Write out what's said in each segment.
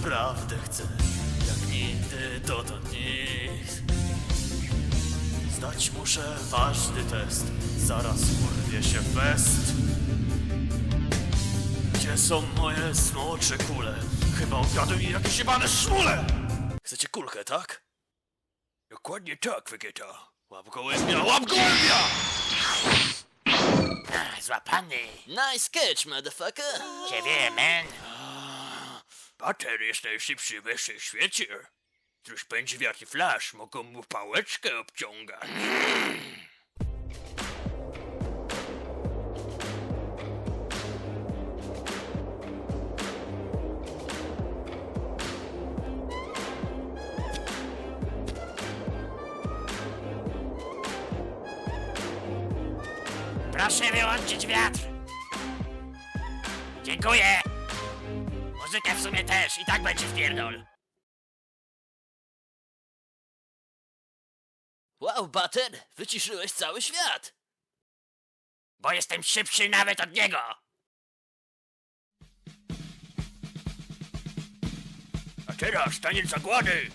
naprawdę chcę, jak nigdy dotąd nic. Zdać muszę ważny test, zaraz urwie się fest. Gdzie są moje smocze kule? Chyba ukradły mi jakieś jebane szmule! Chcecie kulkę, tak? Dokładnie tak, Wegeta. Łap gołębia, łap gołębia! Złapany. Nice catch, motherfucker. Ciebie, man. Pater jest najszybszy we wszechświecie. Któż pędzi wiatr i flash, mogą mu pałeczkę obciągać. Proszę wyłączyć wiatr. Dziękuję. Muzykę w sumie też, i tak będzie wpierdol. Wow, Butter, wyciszyłeś cały świat. Bo jestem szybszy nawet od niego. A teraz taniec zagłady!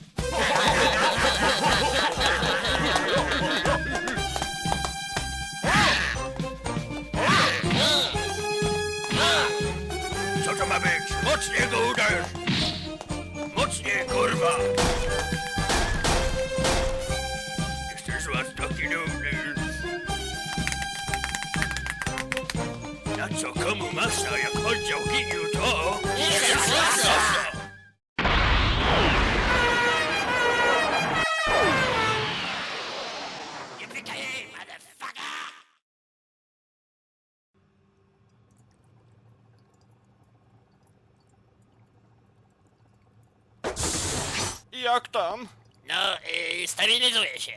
Co to ma być? Mocniej go uderz! Mocniej, kurwa! Jesteś z was taki dumny. Na co komu masa, jak oddział giniu to... Nie pykaj jej, motherfucker! Jak tam? No, stabilizuję się.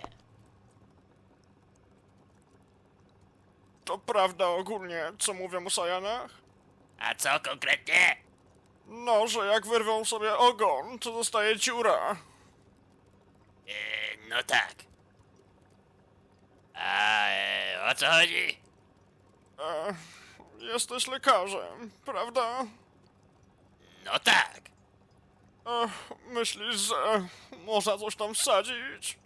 To prawda ogólnie, co mówią o Sajanach? A co konkretnie? No, że jak wyrwą sobie ogon, to zostaje dziura. No tak. A o co chodzi? Jesteś lekarzem, prawda? No tak. Myślisz, że można coś tam wsadzić?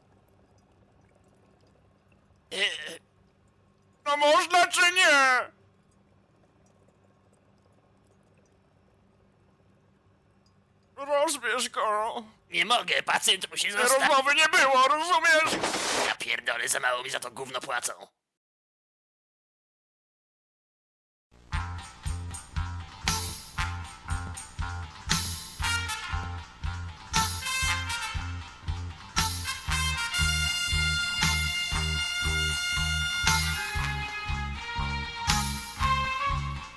No można czy nie? Rozbierz go. Nie mogę, pacjent musi zostać. Rozmowy nie było, rozumiesz? Ja pierdolę, za mało mi za to gówno płacą.